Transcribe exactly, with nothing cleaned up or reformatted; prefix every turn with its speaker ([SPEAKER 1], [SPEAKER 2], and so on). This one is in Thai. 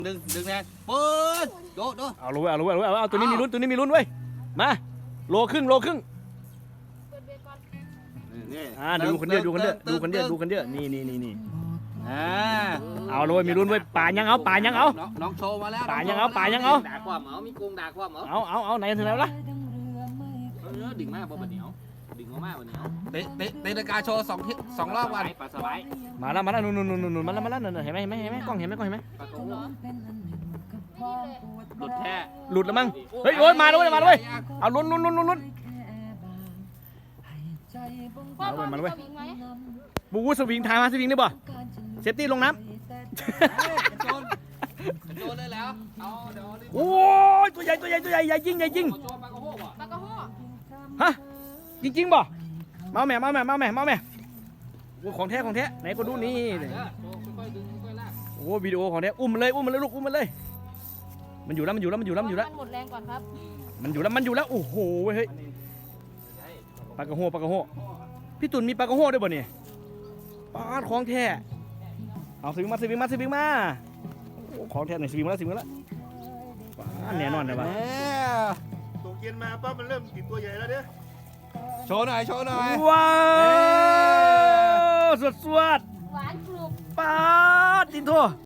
[SPEAKER 1] ดึงดึงแน่เปิดโดดโดด
[SPEAKER 2] เอาเลยเอาเลยเอาเอาตัวนี้มีลุ้นตัวนี้มีลุ้นเว้ยมาโลครึ่งโลครึ่ง
[SPEAKER 1] นี่
[SPEAKER 2] อ่าดูคนเดียวดูคนเดียวดูคนเดียวดูคนเดียวนี่นี่นี่นี่
[SPEAKER 1] อ่า
[SPEAKER 2] เอาเลยมีลุ้นเว้ยป่ายังเอาป่ายังเอา
[SPEAKER 1] น้องโชว์มาแล้ว
[SPEAKER 2] ป่ายังเอาป่ายังเอา
[SPEAKER 1] ด่าความเหรอมีกงด่าความเหรอ
[SPEAKER 2] เอาเอาเอาไหนถึงแล้วล่ะ
[SPEAKER 1] เออดิ่งมากบ่บะเหนียวดิ่งมากบะเหนียวเตะเตะเตะนาฬิกาโชว์สองทีสองรอบวันปลาสบาย
[SPEAKER 2] มาแล้วมาแล้วนู่นนู่นนู่นนู่นมาแล้วมาแล้วเห็นไหมเห็นไหมเห็นไหมกล้องเห็นไหมกล้องเห็นไหม
[SPEAKER 1] ปลาโกหลุดแท้
[SPEAKER 2] หลุดแล้วมั้งเฮ้ยโอ้ยมาด้วยมาด้วยเอาลุ้นลุ้นลุ้นลุ้นลุ้น
[SPEAKER 3] พ่อพ่อมีสวิงไหม
[SPEAKER 2] บูวูสวิงทายมาสวิงได้ป่ะเซฟตี้ลงน้ำ
[SPEAKER 1] โจนโจนเลยแล้วเอาเดี๋ยว
[SPEAKER 2] โอ้ยตัวใหญ่ตัวใหญ่ตัวใหญ่ใหญ่ยิงใหญ่ยิง
[SPEAKER 1] โจนปลากระโฮกอ่ะ
[SPEAKER 3] ปลากระโห้
[SPEAKER 2] ฮะจริงๆป่ะมาแม่มาแม่มาแม่มาแม่โอ้ของแท้ของแท้ไหนก็ดูนี่
[SPEAKER 1] โจค่อยๆดึงค่อยๆลาก
[SPEAKER 2] โอ้วิดีโอของแท้อุ้มมันเลยอุ้มมันเลยลูกอุ้มมันเลยมันอยู่แล้วมันอยู่แล้วมันอยู่แล้วมันอยู่แล้ว
[SPEAKER 3] มันหมดแรงก่อนครับ
[SPEAKER 2] มันอยู่แล้วมันอยู่แล้วโอ้โหเฮ้ยปลากระโฮปลากระโฮพี่ตุ่นมีปลากระโฮด้วยป่ะเนี่ยปลาของแท้เอาสวิงมาสวิงมาสวิงมาโอ้ของแท้หน่อยสวิงมาแล้วสวิงมาแล้วปลาแน่นอนเลยป่ะ
[SPEAKER 4] ตกเย็นมาปั๊บมันเริ่มติดตัวใหญ่แล้วเด้อ
[SPEAKER 1] โชว์หน่อยโชว์หน่อย
[SPEAKER 2] ว้าวสวดสวด
[SPEAKER 3] หวานกรุบ
[SPEAKER 2] ปลาจินโท